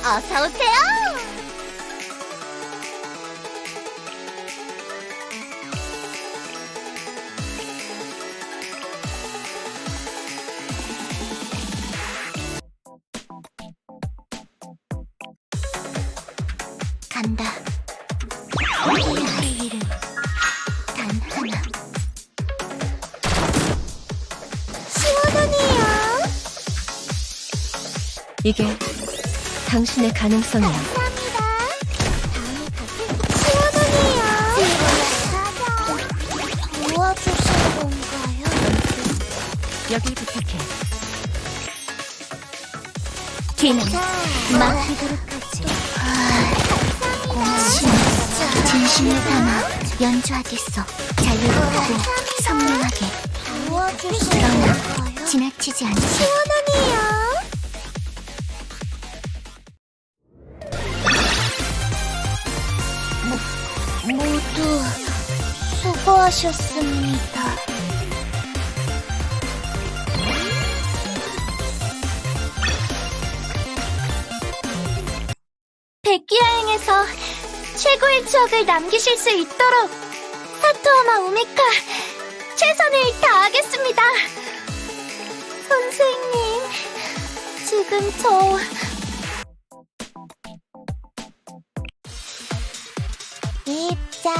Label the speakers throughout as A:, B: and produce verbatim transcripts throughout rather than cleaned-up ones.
A: 어서 오세요. 간다. 우리의 할 일은 단 하나. 시원하네요.
B: 이게 당신의 가능성이야.
A: 감사합니다. 다음에 가게. 시원하네요. 도와주실 건가요?
B: 여기 부탁해.
A: 뒤는 맡기도록 하지. 진짜 진심을 담아 연주하겠어. 자유롭고 선명하게. 그러나 지나치지 않게. 시원하네요. 모두 수고하셨습니다. 백기야행에서 최고의 추억을 남기실 수 있도록 사토마 우미카 최선을 다하겠습니다. 선생님, 지금 저... 입장.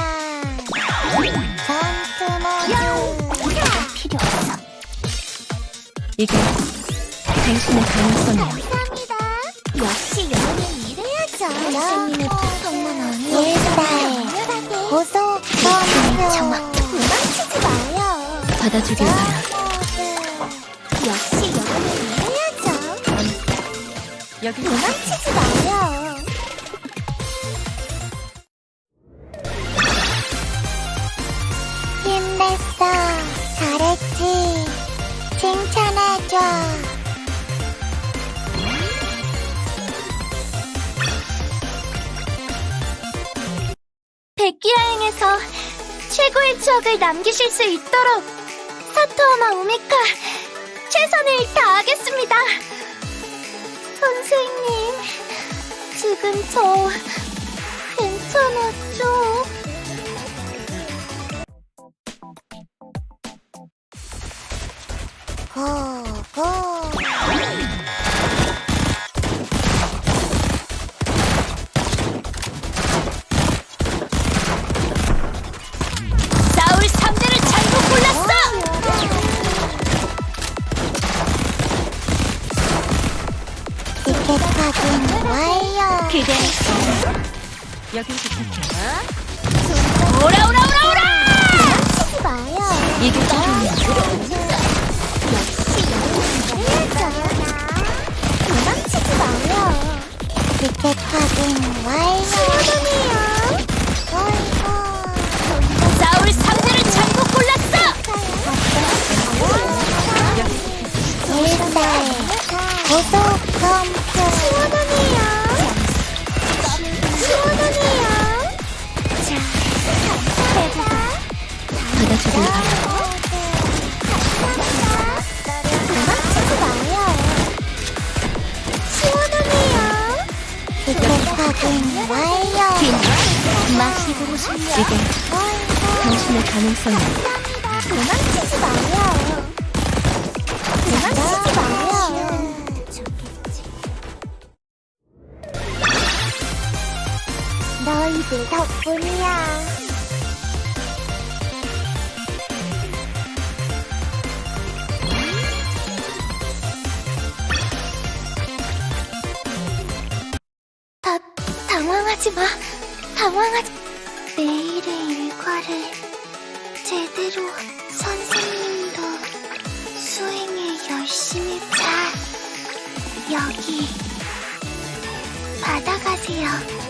A: 전투 모드. 이건 필요 없어.
B: 이게 당신의 가능성이야.
A: 감사합니다. 역시 연예인 이래야죠. 선생님의 부탁만 아니에요. 일사에 고속 범위 정확히 도망치지 마요.
B: 받아주길 바라.
A: 역시 연예인 이래야죠.
B: 여기
A: 도망치지 마요. 힘냈어. 잘했지. 칭찬해줘. 백기야행에서 최고의 추억을 남기실 수 있도록 사토마 우미카 최선을 다하겠습니다. 선생님, 지금 저 괜찮았죠? 고고.
B: 싸울 상대를 잘못 골랐어!
A: 티켓 확인 완료.
B: 그대 여기 부탁해. 오라 오라 오라 오라!
A: 치지 마요.
B: 이게 필요해.
A: 역시 연예인이래야죠. 도망치지 마요. 티켓 확인 완료. 시원하네요. 어이구.
B: 싸울 상대를 잘못 골랐어!
A: 일사에 고속 검표. 시원하네요. 시원하네요. 자, 감사합니다.
B: 받아주길 바라.
A: 도망치지 마요. 시원하네요. 티켓 확인 완료.
B: 마시고 싶냐? 이게 당신의 가능성이야.
A: 감사합니다. 도망치지 마요. 도망치지 마요. 너희들 덕분이야. 다, 당황하지 마. 당황하지. 내일의 일과를 제대로 선생님도 수행을 열심히 잘 여기 받아가세요.